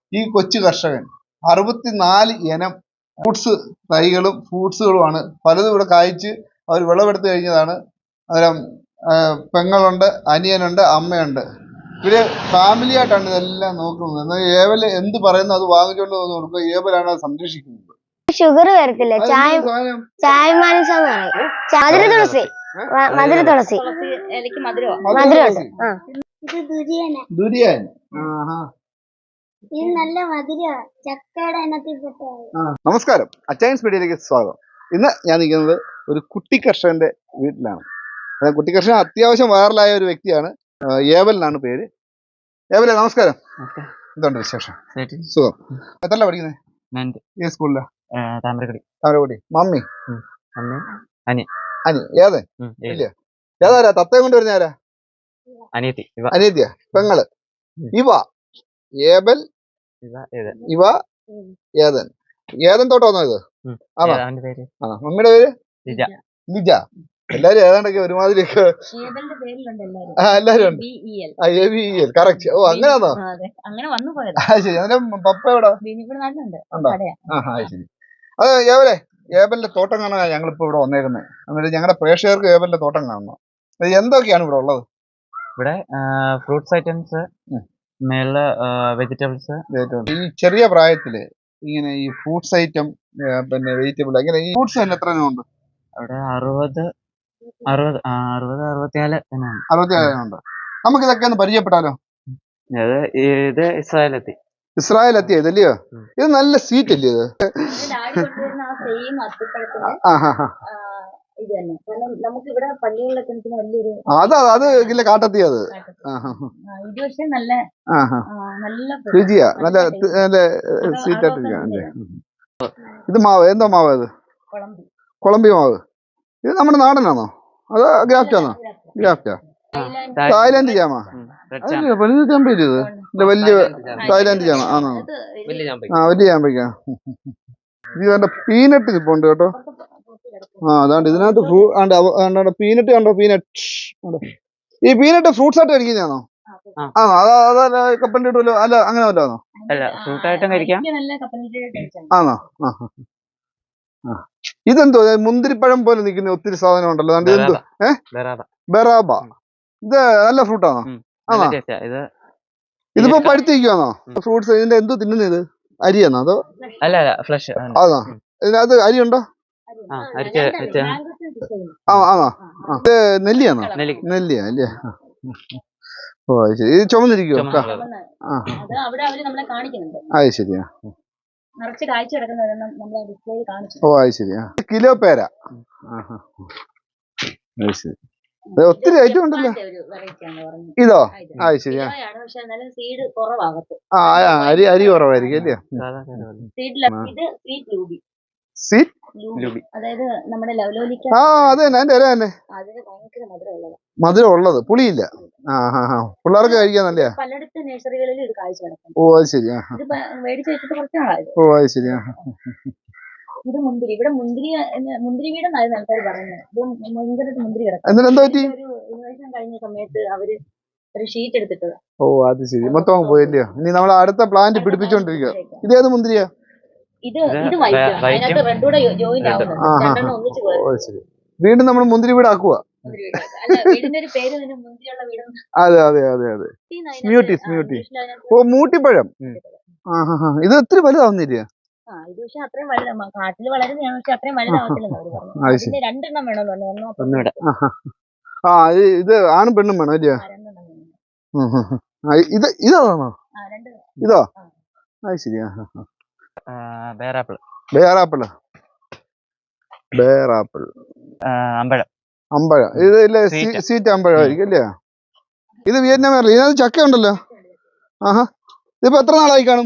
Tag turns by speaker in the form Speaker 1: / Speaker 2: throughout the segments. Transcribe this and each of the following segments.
Speaker 1: ഈ കൊച്ചു കർഷകൻ 64 ഇനം ഫ്രൂട്ട്സ് തൈകളും ഫ്രൂട്ട്സുകളുമാണ് പലതും ഇവിടെ കായ്ച്ച് അവർ വിളവെടുത്ത് കഴിഞ്ഞതാണ്. അന്നേരം പെങ്ങളുണ്ട്, അനിയനുണ്ട്, അമ്മയുണ്ട്. ഇവര് ഫാമിലി ആയിട്ടാണ് ഇതെല്ലാം നോക്കുന്നത്. എന്നാൽ ഏവൽ എന്ത് പറയുന്നു അത് വാങ്ങിച്ചുകൊണ്ട് വന്ന് കൊടുക്കുക. ഏവലാണ് അത് സംരക്ഷിക്കുന്നത്.
Speaker 2: ഷുഗർ വരത്തില്ല. ചായ മനസ്സെന്ന് പറയും. മധുര തുളസി, മധുര തുളസി, മധുരമുണ്ട്.
Speaker 1: ദുരിയാൻ
Speaker 2: നല്ല മധുര ചക്കയുടെ ഇനത്തിൽപ്പെട്ട.
Speaker 1: നമസ്കാരം, അച്ചയൻസ് മീഡിയയിലേക്ക് സ്വാഗതം. ഇന്ന് ഞാൻ നിൽക്കുന്നത് ഒരു കുട്ടി കർഷകന്റെ വീട്ടിലാണ്. കുട്ടി കർഷകൻ അത്യാവശ്യം വൈറലായ ഒരു വ്യക്തിയാണ്. ഏവൽ എന്നാണ് പേര്. ഏവലെ നമസ്കാരം. എന്തുണ്ട് വിശേഷം? സുഖം. എത്രല്ല പഠിക്കുന്നത്? ഏത് സ്കൂളിലാ? താമരക്കുടി. മമ്മി അനി ഏതൻ ഇല്ല ഏതാരാ? തത്തയും കൊണ്ട് വരുന്ന ആരാ? അനിയത്തിയ പെങ്ങള്. ഇവ ഏബൽ, ഇവ ഏതൻ. ഏതൻ തോട്ടം വന്നോ ഇത്? ആണോ? മമ്മിയുടെ പേര് ലിജ. എല്ലാരും ഏതാണ്ടൊക്കെ ഒരുമാതിരിയൊക്കെ എല്ലാരും ഉണ്ട്. കറക്റ്റ്. ഓ അങ്ങനെയാണോ? ശരി. അതിന്റെ പപ്പ എവിടെ? ശരി. അത് ഏവലെ ഏബലിന്റെ തോട്ടം കാണാൻ ഞങ്ങളിപ്പോ ഇവിടെ വന്നേക്കുന്നത്. എന്നിട്ട് ഞങ്ങളുടെ പ്രേക്ഷകർക്ക് ഏബലിന്റെ തോട്ടം കാണണം. എന്തൊക്കെയാണ് ഇവിടെ ഉള്ളത്?
Speaker 3: ഇവിടെ ഫ്രൂട്ട്സ് ഐറ്റംസ്, മേളില് വെജിറ്റബിൾസ്.
Speaker 1: ഈ ചെറിയ പ്രായത്തില് ഇങ്ങനെ ഈ ഫ്രൂട്ട്സ് ഐറ്റം പിന്നെ വെജിറ്റബിൾ അങ്ങനെ ഈ ഫ്രൂട്ട്സ് തന്നെ എത്ര ഉണ്ട്?
Speaker 3: അവിടെ 64
Speaker 1: ഉണ്ട്. നമുക്ക് ഇതൊക്കെ ഒന്ന് പരിചയപ്പെട്ടാലോ?
Speaker 3: ഇത്
Speaker 1: ഇസ്രായേലെത്തിയ ഇതല്ലയോ? ഇത് നല്ല സ്വീറ്റ് അല്ലേ ഇത്? അത് ഇല്ല കാട്ടെത്തിയ അത് രുചിയാ, നല്ല സ്വീറ്റ് ആയിട്ടിരിക്കുക. ഇത് മാവ് എന്തോ മാവ്? ഇത് കൊളംബി മാവ്. ഇത് നമ്മുടെ നാടനാണോ അതോ ഗ്രാഫ്റ്റാണോ? ഗ്രാഫ്റ്റാ. തായ്ലാന്റ് ജാമ. വലിയ ചാമ്പയില്ല ഇത്? ഇത് വലിയ തായ്ലാന്റ് ജാമ ആണോ? വലിയ ചാമ്പയ്ക്ക. ഇത് കണ്ട പീനട്ട് ഇപ്പോണ്ട് കേട്ടോ. അതാണ്ട് ഇതിനകത്ത് പീനട്ട് കണ്ടോ? പീനട്ട്. ഈ പീനട്ട് ഫ്രൂട്ട്സ് ആയിട്ട് കഴിക്കുന്നതാണോ? അതല്ല കപ്പലിന്റെ ഇടുമല്ലോ? അല്ല അങ്ങനെ വല്ലാന്നോ? ആണോ? ഇതെന്തോ മുന്തിരിപ്പഴം പോലെ നിൽക്കുന്ന ഒത്തിരി സാധനം ഉണ്ടല്ലോ. ഇതെന്തോ? ബെറാബ. ഇത് നല്ല ഫ്രൂട്ടാണോ? ആണോ? ഇതിപ്പോ പഴുത്തിരിക്കുവാണോ ഫ്രൂട്ട്സ്? ഇതിന്റെ എന്തോ തിന്നുന്നത്? ഇത് അരിയാണോ അതോ? ആണോ? ഇതിനകത്ത് അരിയുണ്ടോ? ആണോ? ഇത് നെല്ലിയാണോ? നെല്ലിയാ അല്ലേ? ഓ അത് ശരി. ഇത് ചുമന്നിരിക്കുവോ? അത് ശരിയാ. ഓ അത് ശരിയാ. കിലോ പേര. അത് ശരി. ഒത്തിരി ഐറ്റം ഉണ്ടല്ലോ. ഇതോ? അത് ശരിയാ. അരി കുറവായിരിക്കും അല്ലേ? അത് തന്നെ അതിന്റെ ഇല തന്നെ മധുരം ഉള്ളത്, പുളിയില്ല. പിള്ളേർക്ക് കഴിക്കാൻ നല്ല. ഓ അത് ശരിയാ. ഓ അത് ശരിയാ. എന്നിട്ടെന്താ പറ്റി? ഓ അത് ശരി. മൊത്തം പോയല്ലോ. ഇനി നമ്മൾ അടുത്ത പ്ലാന്റ് പിടിപ്പിച്ചോണ്ടിരിക്കുക. ഇതേത് മുന്തിരിയാ? വീണ്ടും നമ്മൾ മുന്തിരി വീടാക്കുക. അതെ അതെ അതെ അതെ. സ്മ്യൂട്ടി. ഓ മൂട്ടിപ്പഴം. ഇത് ഒത്തിരി വലുതാവുന്നില്ല. ഇത് ആണും പെണ്ണും വേണം അല്ലയോ? ഇതാണോ? ഇതോ? അത് ശരിയാ. ബേറാപ്പിള്. അമ്പഴം. ഇത് ഇല്ലേ സ്വീറ്റ് അമ്പഴമായിരിക്കും അല്ലേ? ഇത് വിയറ്റ്നാമല്ല. ഇതിനകത്ത് ചക്ക ഉണ്ടല്ലോ. ഇതിപ്പോ എത്ര നാളായി കാണും?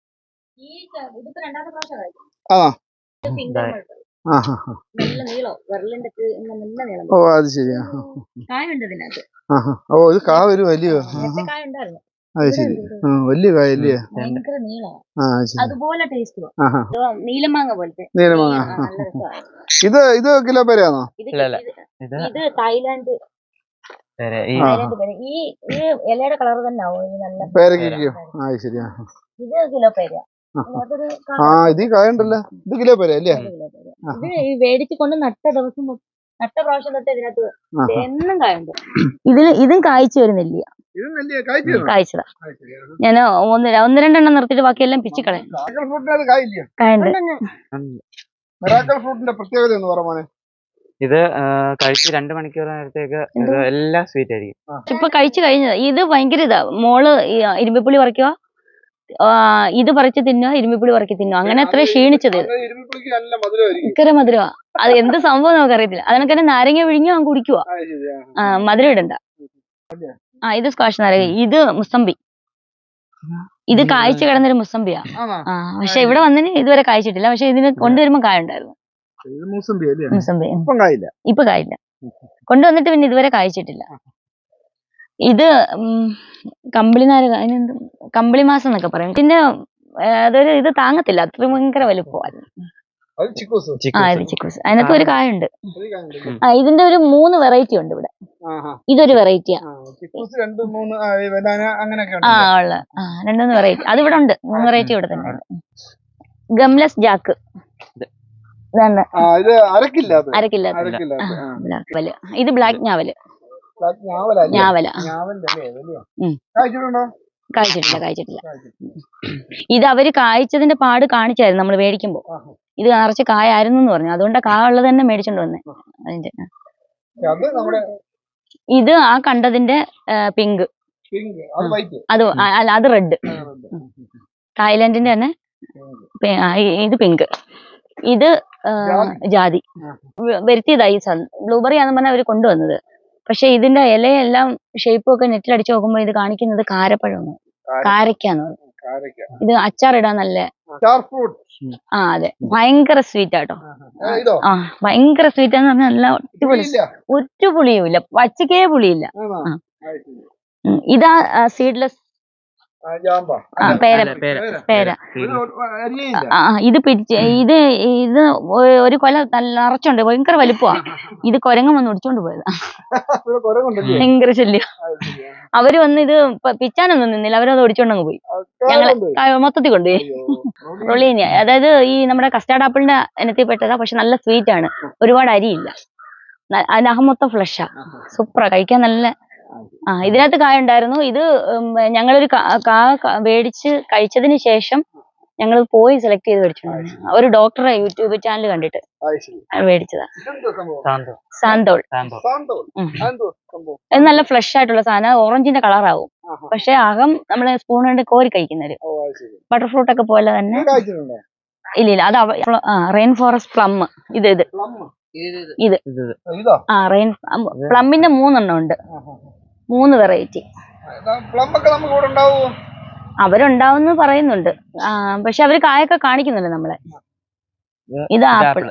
Speaker 1: ഓ അത് ശരിയാ. ഓ ഇത് കാ ഒരു വലിയ. അത് ശരി. വലിയ കായല്ലേ?
Speaker 2: നീലമാങ്ങ.
Speaker 1: ഇത് കിലോ പേരയാണോ?
Speaker 2: ഇത് തായ്ലാന്റ് ഈ ഇലയുടെ കളർ തന്നെ ആവും.
Speaker 1: പേരയ്ക്കോ? അത് ശരിയാ.
Speaker 2: ഇത് കിലോ പേര
Speaker 1: ഇത് കായുണ്ടല്ലോ, ഇത് കിലോ പേര അല്ലേ?
Speaker 2: ഇത് ഈ മേടിച്ച് കൊണ്ട് നട്ട ദിവസം നട്ട പ്രാവശ്യം തൊട്ട് ഇതിനകത്ത് എന്നും കായുണ്ട്. ഇതും കായ്ച്ചു വരുന്നില്ല, കായ്ച്ചതാ. ഞാൻ ഒന്ന് രണ്ടെണ്ണം നിർത്തിയിട്ട് ബാക്കിയെല്ലാം പിച്ചിക്കളയാം.
Speaker 1: പ്രത്യേകത എന്ന് പറയാ,
Speaker 3: ഇത് കഴിച്ച് 2 മണിക്കൂർ നേരത്തേക്ക് ഇത് എല്ലാം സ്വീറ്റ് ആയിരിക്കും.
Speaker 2: ഇപ്പൊ കഴിച്ചു കഴിഞ്ഞത് ഇത് ഭയങ്കര ഇതാ. മോള് ഇരുമ്പിപ്പുളി പറിക്കുക, ഇത് പറിച്ച് തിന്നുക, ഇരുമ്പിപ്പുളി പറിക്കി തിന്നുക, അങ്ങനെ അത്ര ക്ഷീണിച്ചത്. ഭയങ്കര മധുരമാ. അത് എന്ത് സംഭവം നമുക്കറിയത്തില്ല. അതിനൊക്കെ നാരങ്ങ വിഴിഞ്ഞു കുടിക്കുക, മധുരം ഇടണ്ട. ഇത് സ്ക്വാഷ് നാരങ്ങ, ഇത് മുസമ്പി. ഇത് കായ്ച്ചു കിടന്നൊരു മുസമ്പിയാ. പക്ഷെ ഇവിടെ വന്നതിന് ഇതുവരെ കായ്ച്ചിട്ടില്ല. പക്ഷെ ഇതിന് കൊണ്ടുവരുമ്പോ കായ ഉണ്ടായിരുന്നു. മുസമ്പി ഇപ്പൊ കായില്ല, കൊണ്ടുവന്നിട്ട് പിന്നെ ഇതുവരെ കായ്ച്ചിട്ടില്ല. ഇത് കമ്പിളിനാര്, അതിനെന്ത് കമ്പിളി മാസം എന്നൊക്കെ പറയും. പിന്നെ അതൊരു ഇത് താങ്ങത്തില്ല, അത്രയും ഭയങ്കര വലുപ്പമായിരുന്നു. ഇത് ചിക്കൂസ്, അതിനകത്ത് ഒരു കായുണ്ട്. ഇതിന്റെ ഒരു 3 വെറൈറ്റി ഉണ്ട് ഇവിടെ. ഇതൊരു വെറൈറ്റിയാ. ഉള്ള 2-3 വെറൈറ്റി അത് ഇവിടെ ഉണ്ട്. 3 വെറൈറ്റി ഇവിടെ തന്നെ ഉണ്ട്. ഗംലെസ് ജാക്ക്, അരക്കില്ലാത്ത. ഇത് ബ്ലാക്ക് ഞാവല്. കായ്ച്ചിട്ടില്ല. ഇത് അവര് കായ്ച്ചതിന്റെ പാട് കാണിച്ചായിരുന്നു നമ്മൾ മേടിക്കുമ്പോ. ഇത് നിറച്ച് കായായിരുന്നു എന്ന് പറഞ്ഞു. അതുകൊണ്ട് കായ ഉള്ളത് തന്നെ മേടിച്ചോണ്ട് വന്നേ. അതിന്റെ ഇത് ആ കണ്ടതിന്റെ പിങ്ക്, അത് അല്ല, അത് റെഡ്. തായ്ലാന്റിന്റെ തന്നെ. ഇത് പിങ്ക്. ഇത് ജാതി വരുത്തിയതായി. ബ്ലൂബെറി ആണെന്ന് പറഞ്ഞാൽ അവര് കൊണ്ടുവന്നത്. പക്ഷെ ഇതിന്റെ ഇലയെല്ലാം ഷേപ്പും ഒക്കെ നെറ്റിൽ അടിച്ചു നോക്കുമ്പോ ഇത് കാണിക്കുന്നത് കാരപ്പഴമാണ്, കാരക്കാന്ന് പറയും. ഇത് അച്ചാറിടാൻ നല്ല. അതെ, ഭയങ്കര സ്വീറ്റ് ആട്ടോ. ഭയങ്കര സ്വീറ്റ് എന്ന് പറഞ്ഞാൽ നല്ല ഒറ്റ പുളിയും ഇല്ല, പച്ചക്കേ പുളിയില്ല. ഇതാ സീഡ്ലെസ് പേര. ഇത് ഇത് ഒരു കൊല നിറച്ചുണ്ട്, ഭയങ്കര വലുപ്പമാ. ഇത് കുരങ്ങൻ വന്ന് ഒടിച്ചോണ്ട് പോയതാ. ഭയങ്കര ശല്യം. അവര് വന്ന് ഇത് പിച്ചാനൊന്നും നിന്നില്ല, അവരത് ഒടിച്ചോണ്ടങ്ങ് പോയി. ഞങ്ങള് മൊത്തത്തിൽ കൊണ്ടുപോയി. റൊളീനിയ, അതായത് ഈ നമ്മുടെ കസ്റ്റാർഡ് ആപ്പിളിന്റെ ഇനത്തിൽ പെട്ടതാ. പക്ഷെ നല്ല സ്വീറ്റ് ആണ്, ഒരുപാട് അരിയില്ല. അതിന്റെ അകം മൊത്തം ഫ്ലഷാ, സൂപ്പറാ, കഴിക്കാൻ നല്ല. ഇതിനകത്ത് കായ ഉണ്ടായിരുന്നു. ഇത് ഞങ്ങളൊരു മേടിച്ച് കഴിച്ചതിന് ശേഷം ഞങ്ങൾ പോയി സെലക്ട് ചെയ്ത് മേടിച്ചിട്ടുണ്ട്. ഒരു ഡോക്ടറെ യൂട്യൂബ് ചാനൽ കണ്ടിട്ട് മേടിച്ചതാ. സാന്തോൾ. ഇത് നല്ല ഫ്ലഷ് ആയിട്ടുള്ള സാധനം, ഓറഞ്ചിന്റെ കളറാവും. പക്ഷെ അകം നമ്മള് സ്പൂൺ കൊണ്ട് കോരി കഴിക്കുന്നത്. ബട്ടർ ഫ്രൂട്ട് ഒക്കെ പോലെ തന്നെ. ഇല്ല, അത് റെയിൻ ഫോറസ്റ്റ് പ്ലം. ഇത് റെയിൻ പ്ലമ്മിന്റെ 3 എണ്ണം ഉണ്ട്, 3 വെറൈറ്റി. അവരുണ്ടാവുന്ന പറയുന്നുണ്ട്. പക്ഷെ അവര് കായൊക്കെ കാണിക്കുന്നുണ്ട് നമ്മളെ. ഇത് ആപ്പിൾ.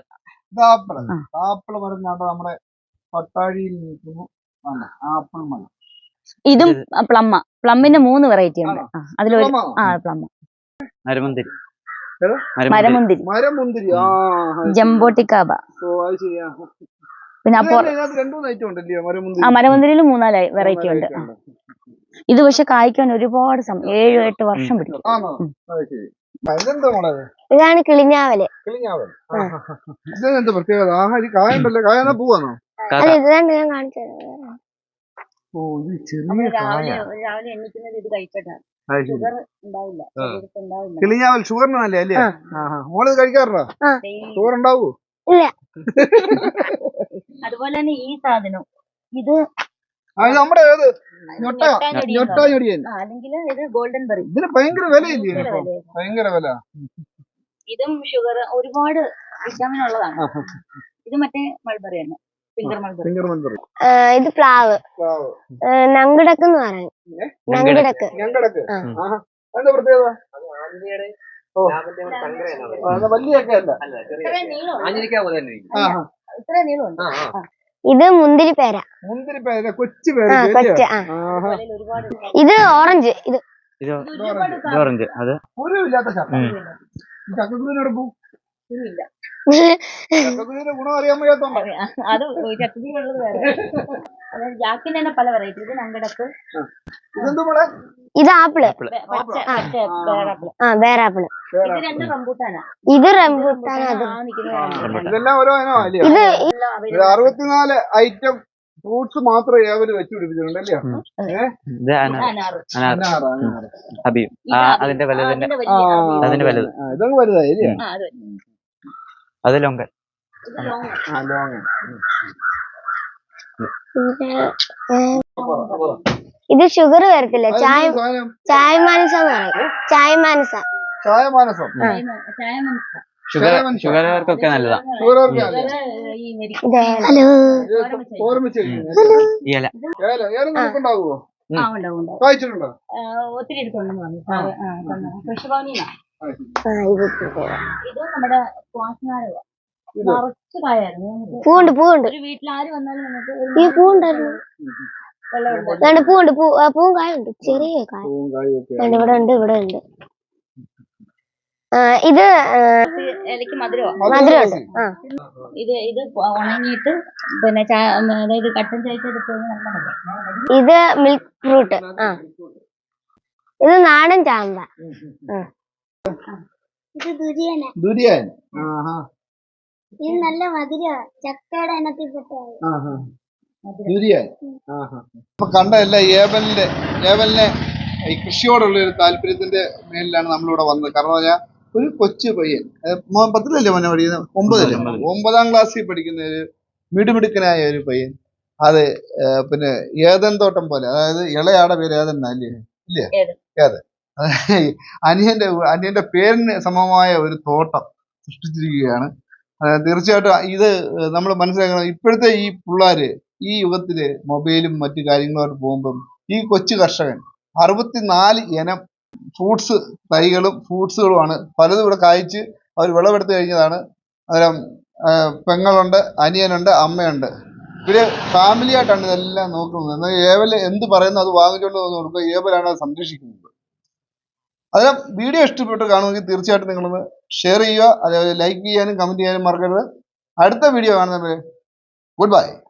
Speaker 2: ഇതും പ്ലമ്മിന്റെ 3 വെറൈറ്റി ഉണ്ട്. അതിലൊരു പ്ലം, മരമുന്തിരി, ജംബോട്ടിക്കാബ. പിന്നെ മരമുന്തിരിയിൽ 3-4 വെറൈറ്റി ഉണ്ട്. ഇത് പക്ഷെ കായ്ക്കാൻ ഒരുപാട് 7-8 വർഷം പിടിക്കും. ഇതാണ് കിളിഞ്ഞാവല്. ഇതാണ് ഞാൻ കാണിച്ചത്. രാവിലെ എണ്ണിക്കുന്നത് ഇത് കഴിച്ചിട്ടാണ്.
Speaker 1: കിളിഞ്ഞാവൽ ഷുഗറിന് നല്ലേ അല്ലേ? മോള് കഴിക്കാറുണ്ടോ? ഷുഗർ ഉണ്ടാവൂ?
Speaker 2: ഇല്ല. അതുപോലെ തന്നെ ഈ സാധനം, ഇത്
Speaker 1: നമ്മുടെ
Speaker 2: ഗോൾഡൻ ബെറി.
Speaker 1: ഇതിന് ഭയങ്കര വിലയില്ലേ? ഭയങ്കര വില.
Speaker 2: ഇതും ഷുഗർ, ഒരുപാട് വിറ്റാമിൻ ഉള്ളതാണ്. ഇത് മറ്റേ മൾബറി തന്നെ, ഫിംഗർ മൾബറി. ഇത് പ്ലാവ്, നങ്കിടക്ക് എന്ന് പറയും. നങ്കിടക്ക്. ഇത് മുന്തിരിപ്പേര. ഇത് ഓറഞ്ച്.
Speaker 1: ചക്കക്കുരുവിന്റെ ഗുണം അറിയാൻ വയ്യാത്തോണ്ടോ?
Speaker 2: അത് ചക്കക്കുരുള്ളത് വേറെ. അതായത് ജാക്കിന് തന്നെ പല വെറൈറ്റി. ഇത് നങ്കടപ്പ്,
Speaker 1: ഇതെന്ത് മോളെ?
Speaker 4: ഇത് ആപ്പിള്.
Speaker 2: പേരാപ്പിള്.
Speaker 4: വേറാപ്പിള്.
Speaker 2: ഇത് രണ്ട് റംബൂട്ടാനാ.
Speaker 4: ഇത് റംബൂട്ടാൻ. അത്
Speaker 1: ഇതെല്ലാം ഓരോ ഇനോ അല്ലേ?
Speaker 4: ഇത്
Speaker 1: 64 ഐറ്റം ഫ്രൂട്ട്സ് മാത്രം ഏവര് വെച്ച് പിടിപ്പിച്ചിട്ടുണ്ട് അല്ലയോ?
Speaker 3: ഇത് അനാർ ഹബീബ് അതിന്റെ വലുതിന്റെ അതിന്റെ വലുത്.
Speaker 1: ഇതങ്ങ് വലുതായി അല്ലേ?
Speaker 3: അത് ലോങ്കൻ.
Speaker 4: ഇത് ഷുഗർ വരത്തില്ല. ചായ മാനസ എന്ന് പറയും. ചായ മാനസ.
Speaker 1: ചായമാനസം.
Speaker 3: ഷുഗർകാർക്കൊക്കെ നല്ലതാ.
Speaker 4: ഹലോ.
Speaker 1: ഓർമ്മിച്ച്
Speaker 3: ഈ ഇല
Speaker 1: ഏലം നമുക്കുണ്ടാകുമോ? വായിച്ചിട്ടുണ്ടോ?
Speaker 2: ഒത്തിരി എടുത്തോണ്ടെന്ന് പറഞ്ഞു. കൃഷിഭവനിന്നാ.
Speaker 4: ഇത്
Speaker 2: ഇത് നമ്മുടെ ക്വാസ്നാരക. നിറച്ച് കായായിരുന്നു.
Speaker 4: പൂവുണ്ട്.
Speaker 2: ഒരു വീട്ടിൽ ആര് വന്നാലും നമുക്ക്
Speaker 4: ഈ പൂവുണ്ടായിരുന്നു.
Speaker 2: വെള്ളം
Speaker 4: പൂവും കായുണ്ട്. ചെറിയ കായ ഇവിടെ ഉണ്ട്. ഇത്
Speaker 2: ഇലക്ക് മധുരമാണ്.
Speaker 4: മധുരമുണ്ട്.
Speaker 2: ഇത് ഉണങ്ങിയിട്ട് പിന്നെ അതായത് കട്ടൻ ചായക്കെടുത്ത് നല്ല മധുരം.
Speaker 4: ഇത് മിൽക്ക് ഫ്രൂട്ട്. ഇത് നാടൻ ചാമ്പ. ഇത്
Speaker 1: ദുരിയാൻ.
Speaker 4: ഇത് നല്ല മധുര. ചക്കയുടെ ഇനത്തിൽപ്പെട്ട
Speaker 1: ദുരിയാൻ. അപ്പൊ കണ്ടല്ല ഏവലിനെ ഈ കൃഷിയോടുള്ള ഒരു താല്പര്യത്തിന്റെ മേലിലാണ് നമ്മളിവിടെ വന്നത്. കാരണം പറഞ്ഞാൽ ഒരു കൊച്ചു പയ്യൻ 10-ലല്ലേ മോനെ പഠിക്കുന്നത്? 9-ാം ക്ലാസ്സിൽ പഠിക്കുന്ന ഒരു മിടുമിടുക്കനായ ഒരു പയ്യൻ. അത് പിന്നെ ഏതൻ തോട്ടം പോലെ, അതായത് ഇളയാടെ പേര് ഏതൻ അല്ലേ? ഇല്ലേ? ഏതൻ. അനിയന്റെ പേരിന് സമമായ ഒരു തോട്ടം സൃഷ്ടിച്ചിരിക്കുകയാണ്. തീർച്ചയായിട്ടും ഇത് നമ്മൾ മനസ്സിലാക്കണം. ഇപ്പോഴത്തെ ഈ പിള്ളേര് ഈ യുഗത്തില് മൊബൈലും മറ്റു കാര്യങ്ങളുമായിട്ട് പോകുമ്പം ഈ കൊച്ചു കർഷകൻ 64 ഇനം ഫ്രൂട്ട്സ് തൈകളും ഫ്രൂട്ട്സുകളുമാണ് പലതും ഇവിടെ കായ്ച്ച് അവർ വിളവെടുത്ത് കഴിഞ്ഞതാണ്. അന്നേരം പെങ്ങളുണ്ട്, അനിയനുണ്ട്, അമ്മയുണ്ട്. ഇവര് ഫാമിലി ആയിട്ടാണ് ഇതെല്ലാം നോക്കുന്നത്. എന്നാൽ ഏവല് എന്ത് പറയുന്നു അത് വാങ്ങിച്ചുകൊണ്ട് വന്ന് കൊടുക്കുക. ഏവലാണ് അത് സംരക്ഷിക്കുന്നത്. അതിന് വീഡിയോ ഇഷ്ടപ്പെട്ട് കാണുമെങ്കിൽ തീർച്ചയായിട്ടും നിങ്ങളൊന്ന് ഷെയർ ചെയ്യുക. അതേപോലെ ലൈക്ക് ചെയ്യാനും കമന്റ് ചെയ്യാനും മറക്കരുത്. അടുത്ത വീഡിയോ കാണുന്നവരെ ഗുഡ് ബൈ.